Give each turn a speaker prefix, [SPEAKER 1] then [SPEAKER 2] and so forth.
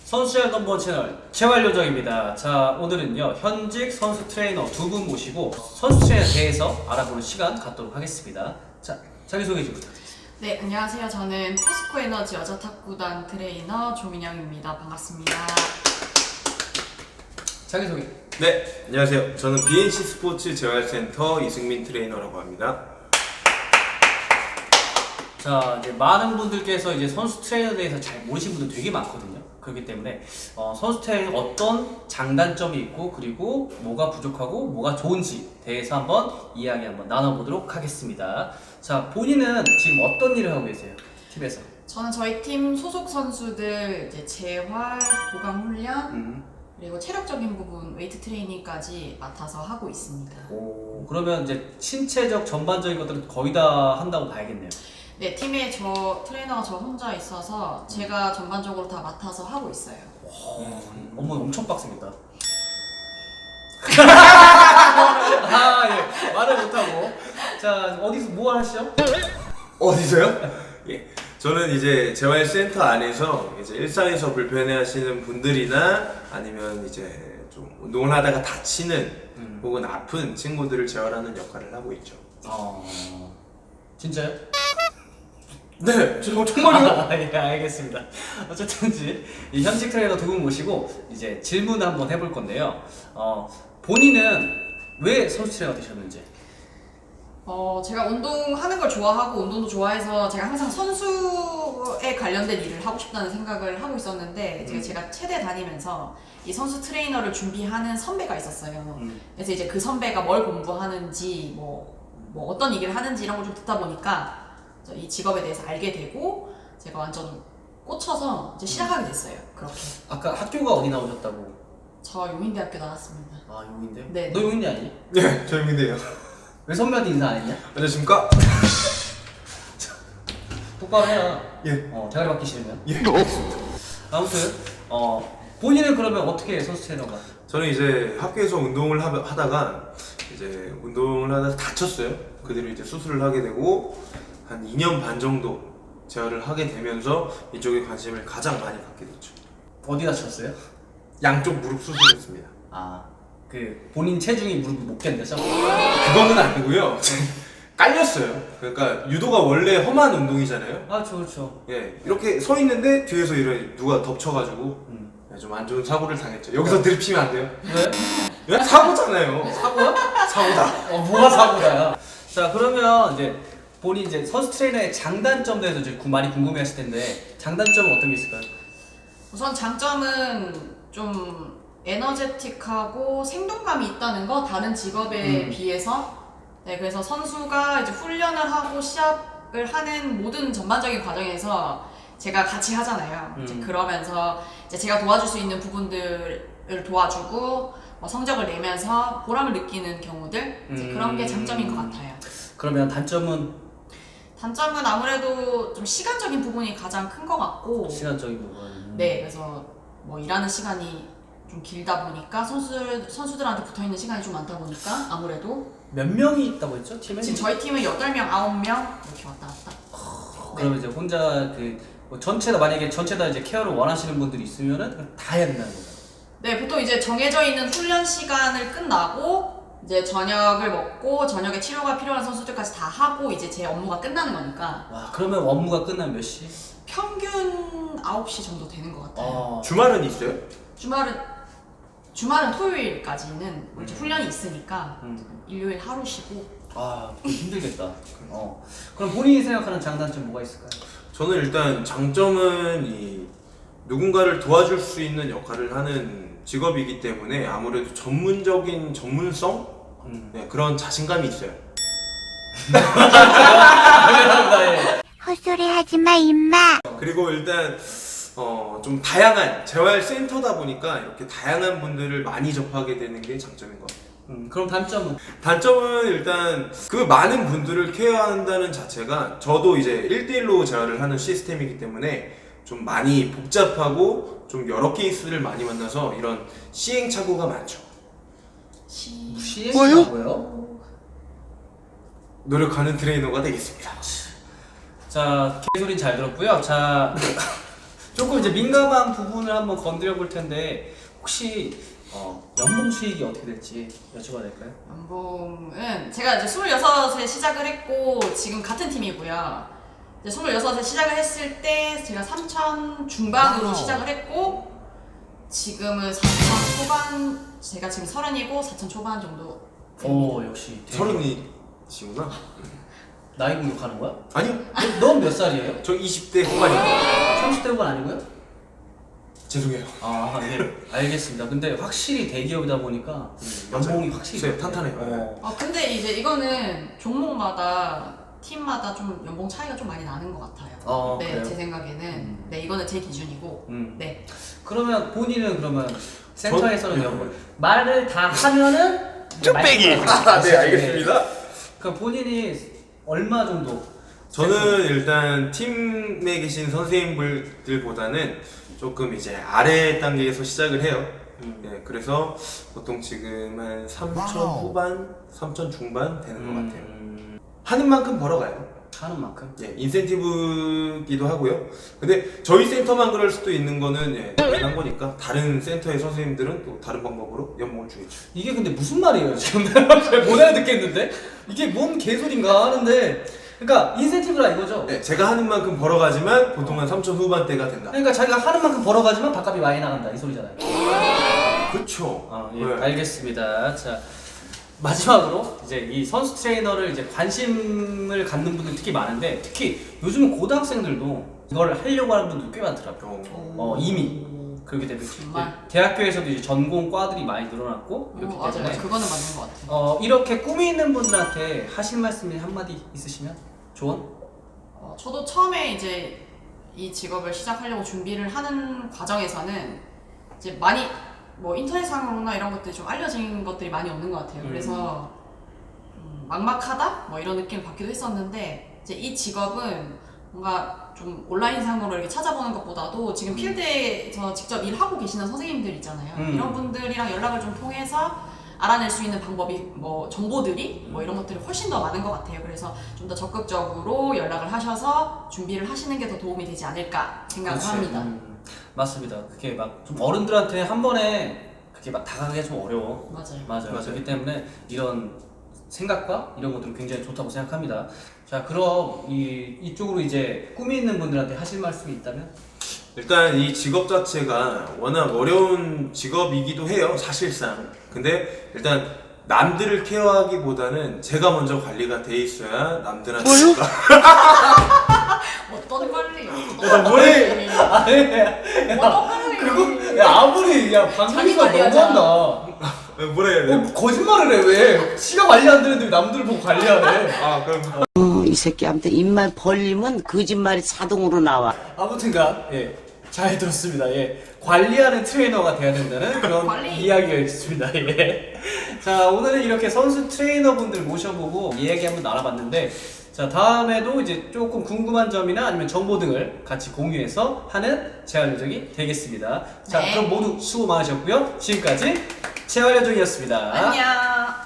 [SPEAKER 1] 선수의 넘버원 채널 재활요정입니다. 자, 오늘은요 현직 선수 트레이너 두 분 모시고 선수 트레이너에 대해서 알아보는 시간 갖도록 하겠습니다. 자, 자기소개 좀 부탁드립니다.
[SPEAKER 2] 네, 안녕하세요. 저는 포스코 에너지 여자 탁구단 트레이너 조민영입니다. 반갑습니다.
[SPEAKER 1] 자기소개.
[SPEAKER 3] 네, 안녕하세요. 저는 BNC 스포츠 재활센터 이승민 트레이너라고 합니다.
[SPEAKER 1] 자, 이제 많은 분들께서 이제 선수 트레이너에 대해서 잘 모르시는 분들 되게 많거든요. 그렇기 때문에 선수 트레이너 어떤 장단점이 있고 그리고 뭐가 부족하고 뭐가 좋은지 대해서 한번 이야기 한번 나눠보도록 하겠습니다. 자, 본인은 지금 어떤 일을 하고 계세요? 팀에서?
[SPEAKER 2] 저는 저희 팀 소속 선수들 이제 재활, 보강 훈련, 그리고 체력적인 부분 웨이트 트레이닝까지 맡아서 하고 있습니다.
[SPEAKER 1] 오, 그러면 이제 신체적 전반적인 것들은 거의 다 한다고 봐야겠네요.
[SPEAKER 2] 네, 팀에 저 트레이너가 저 혼자 있어서 제가 전반적으로 다 맡아서 하고 있어요.
[SPEAKER 1] 업무 엄청 빡셉니다. 아, 예. 말을 못하고. 자, 어디서 뭐 하시죠?
[SPEAKER 3] 어디서요? 예, 저는 이제 재활센터 안에서 이제 일상에서 불편해하시는 분들이나 아니면 이제 좀 운동을 하다가 다치는 혹은 아픈 친구들을 재활하는 역할을 하고 있죠.
[SPEAKER 1] 진짜요?
[SPEAKER 3] 네, 저 정말요?
[SPEAKER 1] 예, 알겠습니다. 어쨌든지 이 현직 트레이너 두 분 모시고 이제 질문 한번 해볼 건데요. 본인은 왜 선수 트레이너가 되셨는지?
[SPEAKER 2] 제가 운동하는 걸 좋아하고 운동도 좋아해서 제가 항상 선수에 관련된 일을 하고 싶다는 생각을 하고 있었는데 제가 체대 다니면서 이 선수 트레이너를 준비하는 선배가 있었어요. 그래서 이제 그 선배가 뭘 공부하는지 뭐 어떤 얘기를 하는지 이런 걸 좀 듣다 보니까 이 직업에 대해서 알게 되고 제가 완전 꽂혀서 이제 시작하게 됐어요. 그렇게.
[SPEAKER 1] 아까 학교가 어디 나오셨다고?
[SPEAKER 2] 저 용인대학교 나왔습니다.
[SPEAKER 1] 아, 용인대요?
[SPEAKER 2] 네.
[SPEAKER 1] 너 용인대 아니니?
[SPEAKER 3] 네, 저 민대요.
[SPEAKER 1] 왜 선배한테 인사 안 했냐?
[SPEAKER 3] 안녕하십니까?
[SPEAKER 1] 똑바로 해라.
[SPEAKER 3] 예.
[SPEAKER 1] 대가리 받기 싫으면.
[SPEAKER 3] 예.
[SPEAKER 1] 아무튼 본인은 그러면 어떻게 선수 트레이너가?
[SPEAKER 3] 저는 이제 학교에서 운동을 하다가 이제 운동을 하다가 다쳤어요. 그대로 이제 수술을 하게 되고 한 2년 반 정도 재활을 하게 되면서 이쪽에 관심을 가장 많이 갖게 됐죠.
[SPEAKER 1] 어디 다쳤어요?
[SPEAKER 3] 양쪽 무릎 수술했습니다.
[SPEAKER 1] 아, 그 본인 체중이 무릎을 못 견뎌서?
[SPEAKER 3] 그거는 아니고요. 깔렸어요. 그러니까 유도가 원래 험한 운동이잖아요.
[SPEAKER 1] 아, 그렇죠.
[SPEAKER 3] 예, 이렇게 서 있는데 뒤에서 이렇게 누가 덮쳐가지고 좀 안 좋은 사고를 당했죠. 여기서 들이피면 안 돼요.
[SPEAKER 1] 왜?
[SPEAKER 3] 예? 사고잖아요.
[SPEAKER 1] 사고야?
[SPEAKER 3] 사고다.
[SPEAKER 1] 뭐가 사고다야? 자, 그러면 이제 본인 이제 선수 트레이너의 장단점 대해서 이제 많이 궁금해하실 텐데 장단점은 어떤 게 있을까요?
[SPEAKER 2] 우선 장점은 좀 에너제틱하고 생동감이 있다는 거, 다른 직업에 비해서. 네, 그래서 선수가 이제 훈련을 하고 시합을 하는 모든 전반적인 과정에서 제가 같이 하잖아요. 이제 그러면서 이제 제가 도와줄 수 있는 부분들을 도와주고 성적을 내면서 보람을 느끼는 경우들, 이제 그런 게 장점인 것 같아요.
[SPEAKER 1] 그러면 단점은?
[SPEAKER 2] 단점은 아무래도 좀 시간적인 부분이 가장 큰 것 같고,
[SPEAKER 1] 시간적인 부분.
[SPEAKER 2] 네, 그래서 뭐 일하는 시간이 좀 길다 보니까 선수들한테 붙어 있는 시간이 좀 많다 보니까 아무래도
[SPEAKER 1] 몇 명이 있다고 했죠? 팀에?
[SPEAKER 2] 지금 저희 팀은 8명, 9명 이렇게 왔다 갔다.
[SPEAKER 1] 그러면 이제 혼자 뭐 만약에 전체 다 이제 케어를 원하시는 분들이 있으면은 다 해야 된다는 거죠.
[SPEAKER 2] 네, 보통 이제 정해져 있는 훈련 시간을 끝나고 이제 저녁을 먹고 저녁에 치료가 필요한 선수들까지 다 하고 이제 제 업무가 끝나는 거니까
[SPEAKER 1] 와, 그러면 업무가 끝나면 몇 시?
[SPEAKER 2] 평균 9시 정도 되는 것 같아요.
[SPEAKER 3] 주말은 있어요?
[SPEAKER 2] 주말은 토요일까지는 이제 훈련이 있으니까 일요일 하루 쉬고.
[SPEAKER 1] 아, 힘들겠다. 그럼 본인이 생각하는 장단점 뭐가 있을까요?
[SPEAKER 3] 저는 일단 장점은 이 누군가를 도와줄 수 있는 역할을 하는 직업이기 때문에 아무래도 전문적인 전문성? 네, 그런 자신감이 있어요.
[SPEAKER 1] 감사합니다. 예.
[SPEAKER 4] 헛소리 하지마 임마.
[SPEAKER 3] 그리고 일단 좀 다양한 재활센터다 보니까 이렇게 다양한 분들을 많이 접하게 되는 게 장점인 것 같아요.
[SPEAKER 1] 그럼 단점은?
[SPEAKER 3] 단점은 일단 그 많은 분들을 케어한다는 자체가 저도 이제 1대1로 재활을 하는 시스템이기 때문에 좀 많이 복잡하고 좀 여러 케이스를 많이 만나서 이런 시행착오가 많죠.
[SPEAKER 1] 뭐요?
[SPEAKER 3] 노력하는 트레이너가 되겠습니다.
[SPEAKER 1] 자, 개소리는 잘 들었고요. 자, 조금 이제 민감한 부분을 한번 건드려 볼 텐데 혹시 연봉 수익이 어떻게 될지 여쭤봐도 될까요?
[SPEAKER 2] 연봉은 제가 이제 26에 시작을 했고 지금 같은 팀이고요. 이제 26에 시작을 했을 때 제가 3천 중반으로 시작을 했고 지금은 4천 초반, 제가 지금 30이고 4천 초반 정도.
[SPEAKER 1] 오 역시 되게-
[SPEAKER 3] 30이시구나.
[SPEAKER 1] 나이 공격하는 거야?
[SPEAKER 3] 아니요.
[SPEAKER 1] 넌 몇 살이에요?
[SPEAKER 3] 저 20대 후반입니다.
[SPEAKER 1] 30대 후반 아니고요?
[SPEAKER 3] 죄송해요.
[SPEAKER 1] 아, 예. 알겠습니다. 근데 확실히 대기업이다 보니까 연봉이 확실히
[SPEAKER 3] 네,
[SPEAKER 1] 높아요.
[SPEAKER 3] 탄탄해요.
[SPEAKER 2] 근데 이제 이거는 종목마다 팀마다 좀 연봉 차이가 좀 많이 나는 것 같아요. 네,
[SPEAKER 1] 그래요?
[SPEAKER 2] 제 생각에는. 네, 이거는 제 기준이고.
[SPEAKER 1] 음.
[SPEAKER 2] 네.
[SPEAKER 1] 그러면 본인은 그러면 센터에서는 연봉 말을 다 하면은
[SPEAKER 3] 쭈빼기.
[SPEAKER 1] 말씀하세요.
[SPEAKER 3] 네, 알겠습니다.
[SPEAKER 1] 그럼 본인이 얼마 정도?
[SPEAKER 3] 저는 일단 팀에 계신 선생님들보다는 조금 이제 아래 단계에서 시작을 해요. 네, 그래서 보통 지금 한 3천 후반, 3천 중반 되는 것 같아요. 하는 만큼 벌어가요.
[SPEAKER 1] 하는 만큼?
[SPEAKER 3] 예, 인센티브기도 하고요. 근데 저희 센터만 그럴 수도 있는 거는 예, 당연한 거니까 다른 센터의 선생님들은 또 다른 방법으로 연봉을 주겠죠.
[SPEAKER 1] 이게 근데 무슨 말이에요 지금? 못 알아듣겠는데? 이게 뭔 개소린가 하는데 그러니까 인센티브라 이거죠?
[SPEAKER 3] 네, 제가 하는 만큼 벌어가지만 보통 한 3천 후반대가 된다.
[SPEAKER 1] 그러니까 자기가 하는 만큼 벌어가지만 밥값이 많이 나간다 이 소리잖아요.
[SPEAKER 3] 그렇죠.
[SPEAKER 1] 예, 알겠습니다. 자 마지막으로 이제 이 선수 트레이너를 이제 관심을 갖는 분들 특히 많은데 특히 요즘은 고등학생들도 이걸 하려고 하는 분들 꽤 많더라고요. 이미 그렇기 때문에
[SPEAKER 2] 정말?
[SPEAKER 1] 대학교에서도 이제 전공 과들이 많이 늘어났고 이렇기
[SPEAKER 2] 맞아요.
[SPEAKER 1] 때문에
[SPEAKER 2] 그거는 맞는 것 같아요.
[SPEAKER 1] 이렇게 꿈이 있는 분들한테 하실 말씀이 한마디 있으시면 조언?
[SPEAKER 2] 저도 처음에 이제 이 직업을 시작하려고 준비를 하는 과정에서는 이제 많이 뭐 인터넷상으로나 이런 것들이 좀 알려진 것들이 많이 없는 것 같아요. 그래서 막막하다? 뭐 이런 느낌을 받기도 했었는데 이제 이 직업은 뭔가 좀 온라인상으로 이렇게 찾아보는 것보다도 지금 필드에서 직접 일하고 계시는 선생님들 있잖아요. 이런 분들이랑 연락을 좀 통해서 알아낼 수 있는 방법이 뭐 정보들이 뭐 이런 것들이 훨씬 더 많은 것 같아요. 그래서 좀 더 적극적으로 연락을 하셔서 준비를 하시는 게 더 도움이 되지 않을까 생각을
[SPEAKER 3] 그치.
[SPEAKER 2] 합니다.
[SPEAKER 1] 맞습니다. 그게 막 좀 어른들한테 한 번에 그게 막 다가가기가 좀 어려워.
[SPEAKER 2] 맞아요.
[SPEAKER 3] 맞아요.
[SPEAKER 1] 그렇기 때문에 이런 생각과 이런 것들은 굉장히 좋다고 생각합니다. 자, 그럼 이쪽으로 이제 꿈이 있는 분들한테 하실 말씀이 있다면?
[SPEAKER 3] 일단 이 직업 자체가 워낙 어려운 직업이기도 해요, 사실상. 근데 일단 남들을 케어하기보다는 제가 먼저 관리가 돼 있어야 남들한테
[SPEAKER 2] 어떤 관리요?
[SPEAKER 1] 머리-
[SPEAKER 2] 어떤 관리?
[SPEAKER 1] 그거 야 아무리 야
[SPEAKER 2] 자기
[SPEAKER 1] 방송이가
[SPEAKER 2] 관리하자.
[SPEAKER 1] 너무한다.
[SPEAKER 3] 뭐라 해야 돼요?
[SPEAKER 1] 거짓말을 해 왜? 지가 관리 안 되는데 왜 남들을 보고 관리하래?
[SPEAKER 3] 아 그럼
[SPEAKER 5] 이 새끼한테 입만 벌리면 거짓말이 자동으로 나와.
[SPEAKER 1] 아무튼간 잘 들었습니다. 관리하는 트레이너가 돼야 된다는 그런
[SPEAKER 2] 관리.
[SPEAKER 1] 이야기였습니다. 자 오늘은 이렇게 선수 트레이너분들 모셔보고 이야기 한번 나눠봤는데 자 다음에도 이제 조금 궁금한 점이나 아니면 정보 등을 같이 공유해서 하는 재활요정이 되겠습니다. 자
[SPEAKER 2] 네.
[SPEAKER 1] 그럼 모두 수고 많으셨고요. 지금까지 재활요정이었습니다.
[SPEAKER 2] 안녕.